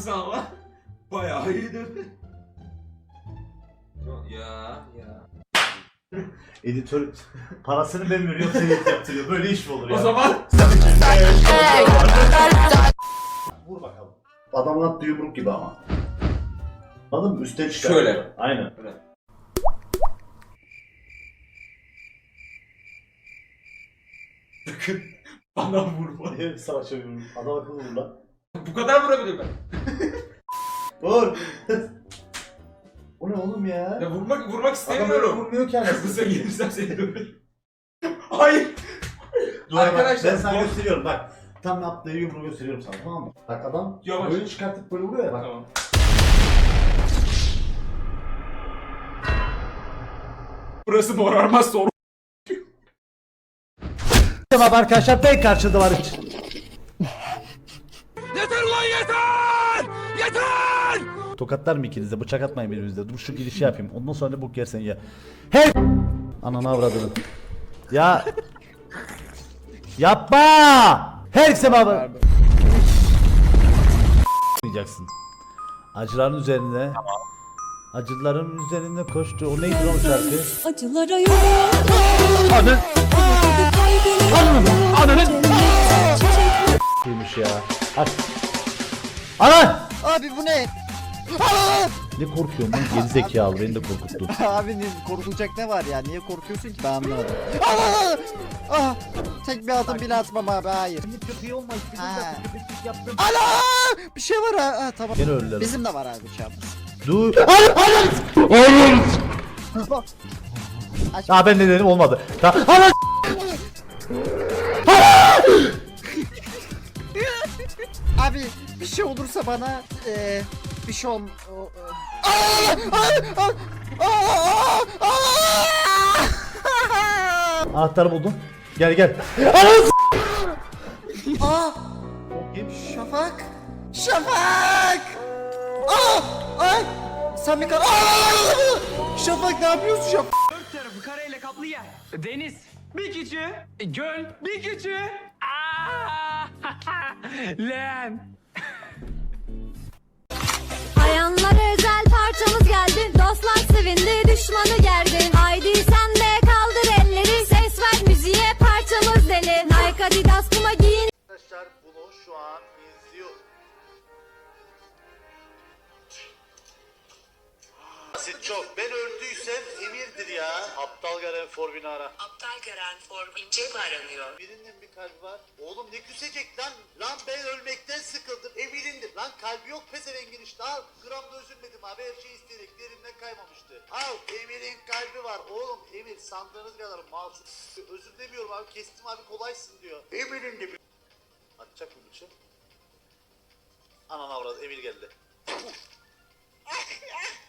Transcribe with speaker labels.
Speaker 1: Nasıl ama? Bayağı iyiydi. Ya.
Speaker 2: Editör parasını ben veriyorum, seni yaptırıyor. Böyle iş mi olur ya?
Speaker 1: O zaman
Speaker 2: Vur bakalım. Adamın attığı yumruk gibi ama. Anladın mı? Üstten çıkar.
Speaker 1: Şöyle.
Speaker 2: Aynen.
Speaker 1: sakın bana vurma.
Speaker 2: Evet, savaşa yumruk. Adam akıllı vur lan.
Speaker 1: Bu kadar vurabilir ben.
Speaker 2: Vur. O ne oğlum ya?
Speaker 1: Ya vurmak
Speaker 2: Adam öyle
Speaker 1: istemiyorum.
Speaker 2: vurmuyor ki anasını.
Speaker 1: Kısa gelirsem seni döverim. Hayır.
Speaker 2: Dur
Speaker 1: Arkadaşlar,
Speaker 2: bak, ben sana
Speaker 1: bu-
Speaker 2: gösteriyorum bak. Tam yaptığı yumruğu gösteriyorum sana, tamam mı? Bak adam
Speaker 1: Yavaş.
Speaker 2: böyle çıkartıp böyle vuruyor ya bak.
Speaker 1: Tamam. Burası morarmaz sonra.
Speaker 2: Tamam arkadaşlar, ben karşıda var hiç.
Speaker 1: Yeter lan yeter! Yeter!
Speaker 2: Tokatlar mı ikiniz de? Bıçak atmayın birbirinizde. Dur şu girişi yapayım. Ondan sonra ne bok yersen ya. Her ananı avradını. Ya yapma! Herkese baba. Diyeceksin. Acıların üzerine. Acıların üzerinde koştu. O neydi lan o şarkı?
Speaker 3: Acılara yol.
Speaker 2: Anı.
Speaker 3: Ananın.
Speaker 2: Ananın. Kimmiş ya? Aç. Ana!
Speaker 4: Abi bu ne?
Speaker 2: Ne korkuyorsun lan? Geri zekalı, beni de korkuttun.
Speaker 4: Abi korkulacak ne var ya? Niye korkuyorsun ki? Ben anlamadım. Tek bir adım bile atmam abi, hayır.
Speaker 2: Köpeği olma,
Speaker 4: Ha.
Speaker 2: yaptım.
Speaker 4: Ana! Bir şey var ha. Tamam.
Speaker 2: Gene öldüler.
Speaker 4: Bizim de var abi bıçağımız.
Speaker 2: Dur.
Speaker 4: Aç.
Speaker 2: Aa, ben de dedim, olmadı. Ana!
Speaker 4: Abi bir şey olursa bana bir şey
Speaker 2: Anahtarı buldum. Gel gel. Ananı
Speaker 4: Aa!
Speaker 2: Kim?
Speaker 4: Şafak! Şafak! Ay! Sen bir Şafak ne yapıyorsun Şafak?
Speaker 5: Dört tarafı kareyle kaplı yer. Deniz. Bir küçüğü. Göl. Bir küçüğü. Aa! Leğen.
Speaker 3: Ayanlara özel parçamız geldi. Dostlar sevindi, düşmanı gerdi. Haydi sen de kaldır elleri. Ses ver müziğe, parçamız deli. Nike Adidas Puma giyin.
Speaker 2: Arkadaşlar bunu şu an izliyor. Basit çok. Ben öldüysem Emir'dir ya. Aptal Garen Forbin'i ara.
Speaker 6: Aptal Garen Forbince aranıyor.
Speaker 2: Birinin bir kalbi var. Oğlum ne küsecek lan? Lan ben ölmekten sıkıldım. Emir'indir. Lan kalbi yok pezevengin işte. Al. Gramda üzülmedim abi. Her şey isteyerek derimden kaymamıştı. Al. Emir'in kalbi var. Oğlum Emir sandığınız kadar malsın. Özür demiyorum abi. Kestim abi, kolaysın diyor. Emir'in de bir... Atacak mı bıçak? Anan avradı. Emir geldi.